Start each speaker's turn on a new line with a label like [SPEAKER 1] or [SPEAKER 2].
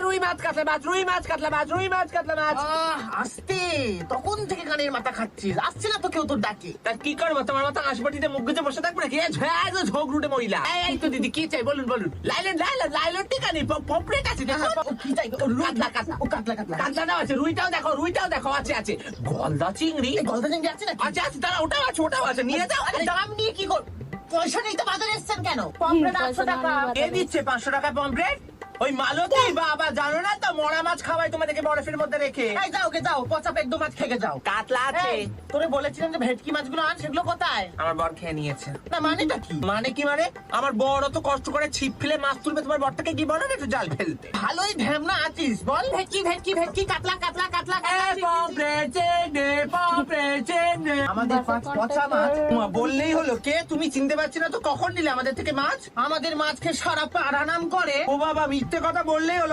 [SPEAKER 1] রুই মাছ, কাতলা মাছ, রুই মাছ, কাতলা মাছ, রুই মাছ, কাতলা মাছ।
[SPEAKER 2] আসতে তখন থেকে কানের মাথা খাচ্ছিস, আসছে না তো কেউ তোর ডাকে।
[SPEAKER 1] তা কি করবো, তোমার মতো হাসপাটিতে মুখ গুজে বসে থাকবে নাকি? ঝোঁক রুটে মহিলা। এই তো দিদি, কি চাই বলুন বলুন। লাইলেন লাইলেন লাইলেন, ঠিক আছে, পপড়েট আছে, দেখো।
[SPEAKER 2] ও কি চাই? ও রুই,
[SPEAKER 1] কাতলা কাতলা,
[SPEAKER 2] ও কাতলা কাতলা।
[SPEAKER 1] কাতলাটাও আছে, রুইটাও দেখো, রুইটাও দেখো, আছে আছে। গলদা চিংড়ি
[SPEAKER 2] এই গলদা চিংড়ি আছে নাকি?
[SPEAKER 1] আছে আছে, তারা ওটাও আছে, ওটাও আছে, নিয়ে যাও।
[SPEAKER 2] আরে দাম নিয়ে কি কর? পয়সা নেই তো বাজারে এসছেন কেন? পমফ্রেট 800 টাকা।
[SPEAKER 1] কে দিচ্ছে 500 টাকা পমফ্রেট? ওই মালতী বাবা, জানো না তো, মরা মাছ খাওয়াই তোমাদেরকে বরফের মধ্যে রেখে।
[SPEAKER 2] এই যাও গে যাও, পচা পেট দু মাছ খেয়ে যাও।
[SPEAKER 1] কাতলা আছে।
[SPEAKER 2] এই, তোরে বলেছিলাম যে ভেটকি মাছগুলো আন, সেগুলো কোথায়?
[SPEAKER 1] আমার বর খেয়ে নিয়েছে।
[SPEAKER 2] না মানেটা কি?
[SPEAKER 1] মানে কি মানে? আমার বড় তো কষ্ট করে ছিপ ফেলে মাছ তুলবে, তোমার বরটাকে কি বলো না একটু জাল ফেলতে?
[SPEAKER 2] ভালোই ভ্যামনা আছিস, বল। ভেটকি ভেটকি ভেটকি, কাতলা কাতলা কাতলা কাতলা।
[SPEAKER 1] আমাদের
[SPEAKER 2] 5 পচা মাছ।
[SPEAKER 1] বললেই হলো। কে তুমি চিনতে পারছি না তো, কখন নিলে আমাদের থেকে মাছ?
[SPEAKER 2] আমাদের মাছকে সারা পাড়া নাম করে।
[SPEAKER 1] ও বাবা, মিথ্যে কথা বললেই হলো।